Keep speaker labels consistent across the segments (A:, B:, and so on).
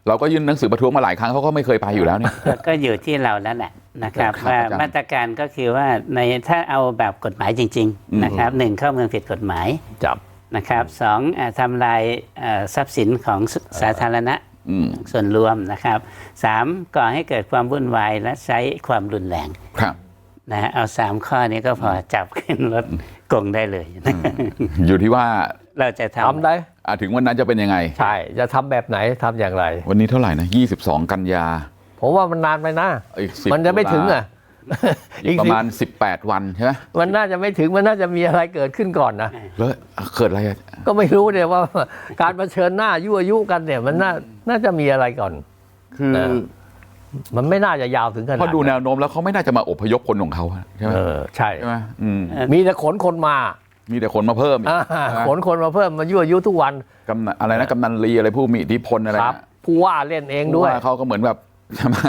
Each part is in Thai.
A: เราก็ยื่นหนังสือประท้วงมาหลายครั้งเขาก็ไม่เคยไปอยู่แล้วเนี่ย
B: ก็อยู่ที่เราแล้วแหละนะครับว่ามาตรการก็คือว่าในถ้าเอาแบบกฎหมายจริงๆนะครับ1เข้าเมืองผิดกฎหมาย
C: จับ
B: นะครับ2ทำลายทรัพย์สินของสาธารณะส่วนรวมนะครับ3ก่อให้เกิดความวุ่นวายและใช้ความรุนแรง
A: ครับ
B: นะเอา3ข้อนี้ก็พอจับขึ้นรถกงได้เลย
A: อยู่ที่ว่า
B: เราจะทำ
C: ได้
A: ถึงวันนั้นจะเป็นยังไง
C: ใช่จะทำแบบไหนทำอย่างไร
A: วันนี้เท่าไหร่นะ22กันยา
C: ผมว่ามันนานไปนะมันจะไม่ถึง
A: อีกประมาณ18วันใช่ไหม
C: มันน่าจะไม่ถึงมันน่าจะมีอะไรเกิดขึ้นก่อนนะ
A: แล้วเกิดอะไร
C: ก็ไม่รู้เนี่ยว่าการเผชิญหน้ายั่วยุกันเนี่ยมันน่าจะมีอะไรก่อน
A: คือ
C: มันไม่น่าจะยาวถึงขนาด
A: เพราะดูแนวโน้มแล้วเขาไม่น่าจะมาอพยพคนของเขาใช่ไหม
C: ใช่
A: ไหม
C: มีแต่ขนคนมา
A: มีแต่คนมาเพิ่ม
C: ขนคนมาเพิ่มมายั่วยุทุกวัน
A: อะไรนะกำนันลีอะไรผู้มีอิทธิพลอะไร
C: ผู้ว่าเล่นเองด้วย
A: เขาก็เหมือนแบบใช่ไหม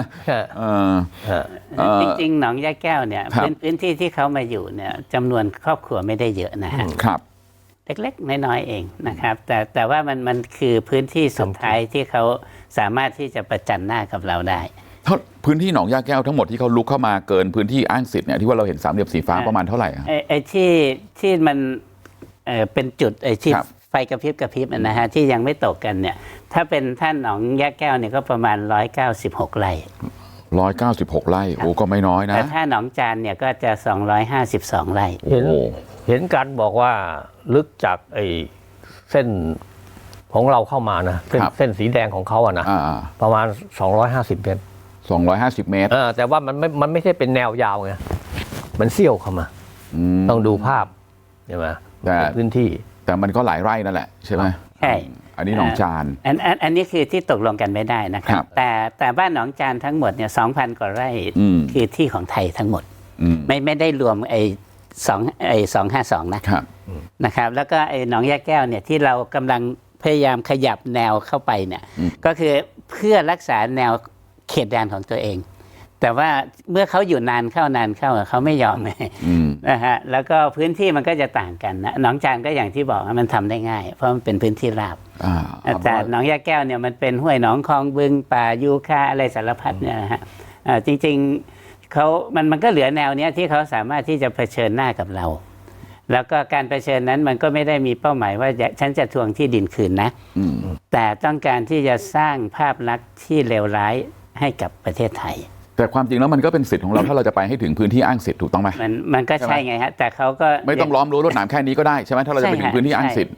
B: จริงๆหนองยาแก้วเนี่ยพื้นที่ที่เขามาอยู่เนี่ยจำนวนครอบครัวไม่ได้เยอะนะฮะ
A: ครับ
B: เล็กๆน้อยๆเองนะครับแต่ว่ามันคือพื้นที่สุดท้ายที่เขาสามารถที่จะประจันหน้ากับเราได้
A: พื้นที่หนองยาแก้วทั้งหมดที่เขาลุกเข้ามาเกินพื้นที่อ้างสิทธิ์เนี่ยที่ว่าเราเห็นสามเหลี่ยมสีฟ้าประมาณเท่าไหร่
B: ไอ้ที่มันเป็นจุดไอ้ที่ไฟกระพริบนะฮะที่ยังไม่ตกกันเนี่ยถ้าเป็นท่านหนองยาแก้วเนี่ยก็ประมาณ196ไร่
A: 196ไร่โอ้ก็ไม่น้อยนะ
B: แต่ถ้าหนองจานเนี่ยก็จะ252ไร่
C: เห็นกันบอกว่าลึกจากไอ้เส้นของเราเข้ามานะเส้นสีแดงของเขาอะนะประมาณ250 เมตร
A: 250 เมตร
C: แต่ว่ามันไม่ใช่เป็นแนวยาวไงมันเสี้ยวเข้ามาต้องดูภาพใช่ไหมพื้นที่
A: แต่มันก็หลายไร่นั่นแหละใช่ไหม
B: ใช่
A: อันนี้หนองจาน
B: อันนี้คือที่ตกลงกันไม่ได้นะครับแต่บ้านหนองจานทั้งหมดเนี่ย 2,000 กว่าไร่คือที่ของไทยทั้งหมดไม่ได้รวมไอ้252นะครับแล้วก็ไอ้หนองยาแก้วเนี่ยที่เรากำลังพยายามขยับแนวเข้าไปเนี่ยก็คือเพื่อรักษาแนวเขตแดนของตัวเองแต่ว่าเมื่อเขาอยู่นานเข้าเขาไม่ยอมนะฮะแล้วก็พื้นที่มันก็จะต่างกันนะหนองจานก็อย่างที่บอกมันทำได้ง่ายเพราะมันเป็นพื้นที่ราบแต่หนองยาแก้วเนี่ยมันเป็นห้วยหนองคลองบึงป่ายูคาอะไรสารพัดเนี่ยนะฮะจริงๆมันก็เหลือแนวเนี้ยที่เขาสามารถที่จะเผชิญหน้ากับเราแล้วก็การเผชิญนั้นมันก็ไม่ได้มีเป้าหมายว่าฉันจะทวงที่ดินคืนนะแต่ต้องการที่จะสร้างภาพลักษณ์ที่เลวร้ายให้กับประเทศไทย
A: แต่ความจริงแล้วมันก็เป็นสิทธิ์ของเราถ้าเราจะไปให้ถึงพื้นที่อ้างสิทธิ์ถูกต้องไหม
B: มันก็ใช่ไงฮะแต่เขาก็
A: ไม่ต้องล้อมรั้วรวดหนามแค่นี้ก็ได้ใช่ไหมถ้าเราจะไปถึงพื้นที่อ้างสิทธิ์